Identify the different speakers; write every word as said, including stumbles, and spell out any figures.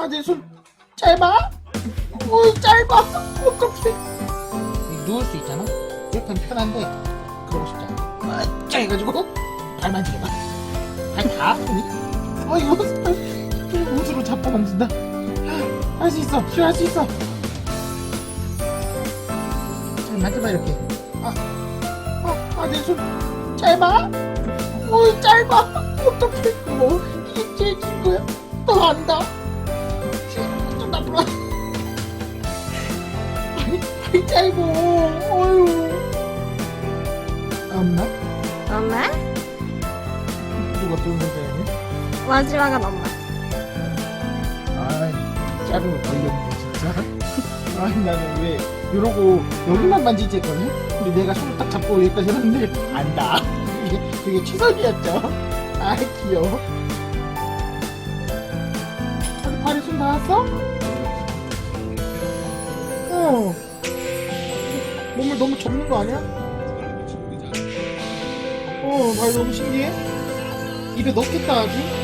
Speaker 1: 아, 내 손 짧아? 어, 짧아. 어떡해. 누울 수 있잖아? 이렇게 하면 편한데 그러고 싶지 않아. 아, 짜 해가지고 발 만지려봐. 발 다 아프니? 아, 이거 옷으로 잡고 만진다. 할 수 있어. 쉬어, 할 수 있어. 잘 만져봐, 이렇게. 아, 아, 아, 내 손 짧아? 어, 짧아. 어떡해. 뭐 이게 제일 긴 거야? 너 안다. 좀 나쁘라. 발이, 발이 짧어. 어휴. 엄마?
Speaker 2: 엄마?
Speaker 1: 누가 또 문제였니?
Speaker 2: 마지막은 엄마.
Speaker 1: 아이, 짧은 거 걸렸네, 진짜. 아이, 나는 왜 이러고 여기만 만지지 했거든? 근데 내가 손을 딱 잡고 여기까지 했는데 안다. 이게, 그게 최선이었죠. 아이, 귀여워. 아니, 발에 손 닿았어? 어. 몸을 너무 접는 거 아니야? 어, 발 너무 신기해. 입에 넣겠다, 아주.